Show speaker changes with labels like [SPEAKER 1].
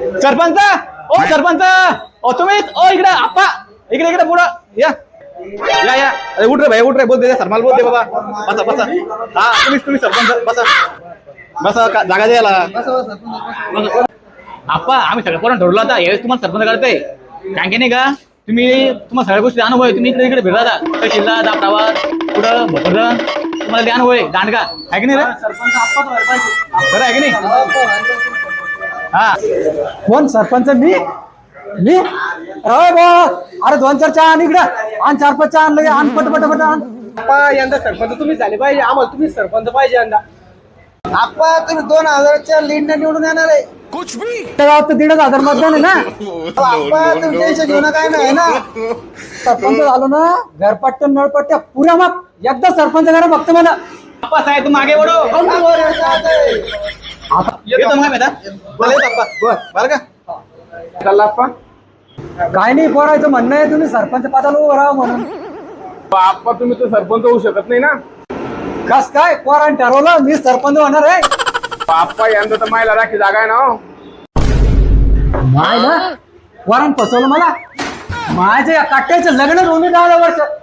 [SPEAKER 1] सरपंच ओ सरपंच ओ तुम्ही ओ इकडे आप्पा इकडे इकडे पुढं या या या अरे उठ रे भाई उठ रे बोल दे सरमाल बोल दे बाबा बसा बसा हा तुम्ही सरपंच बसा बसा जागा द्यायला आप्पा आम्ही सगळं पोरांना ठरवलं आता यावेळेस तुम्हाला सरपंच करताय काय की नाही का तुम्हाला सगळ्या गोष्टी अनुभव आहे तुम्ही इकडे इकडे फिरता तहसीलला दाबडावा पुढं भोकरदन तुम्हाला ते अनुभव आहे दांडगा आहे की नाही रे
[SPEAKER 2] सरपंच आप्पा
[SPEAKER 1] खरं आहे की नाही हा
[SPEAKER 2] कोण सरपंच मी अरे बा अरे 2-4 चहा आण इकडं आण 4-5 चहा आणलं आण पट आण
[SPEAKER 3] आप्पा यंदा सरपंच तुम्ही झाले पाहिजे आम्हाला तुम्ही सरपंच पाहिजे यंदा
[SPEAKER 2] आप्पा तुम्ही 2000च्या लीडने निवडून येणार आहे कुछ भी गावात 1500 मतदान आहे ना आप्पा तुम्ही टेन्शन घेऊ नका नाही ना सरपंच झालो ना घरपट्ट्या नळपट्ट्या पुऱ्या मग एकदा सरपंच करा फक्त मला
[SPEAKER 1] आप्पा साहेब तुम आगे बढ़ो येतो मग बेटा बोला येतो आप्पा बरं का
[SPEAKER 3] चला आप्पा
[SPEAKER 2] काय नाही पोरायचं म्हणणं आहे तुम्ही सरपंच पदाला उभं राहा म्हणून
[SPEAKER 3] आप्पा तुम्ही तर सरपंच होऊ शकत नाही ना
[SPEAKER 2] कस काय पोराने ठरवलं मी सरपंच होणार आहे
[SPEAKER 3] आप्पा यंदा तर मायला राखी जागा आहे ना हो.
[SPEAKER 2] माय ना पोराने फसवलं मला माझ्या काट्याचं लग्न होऊन 10 वर्ष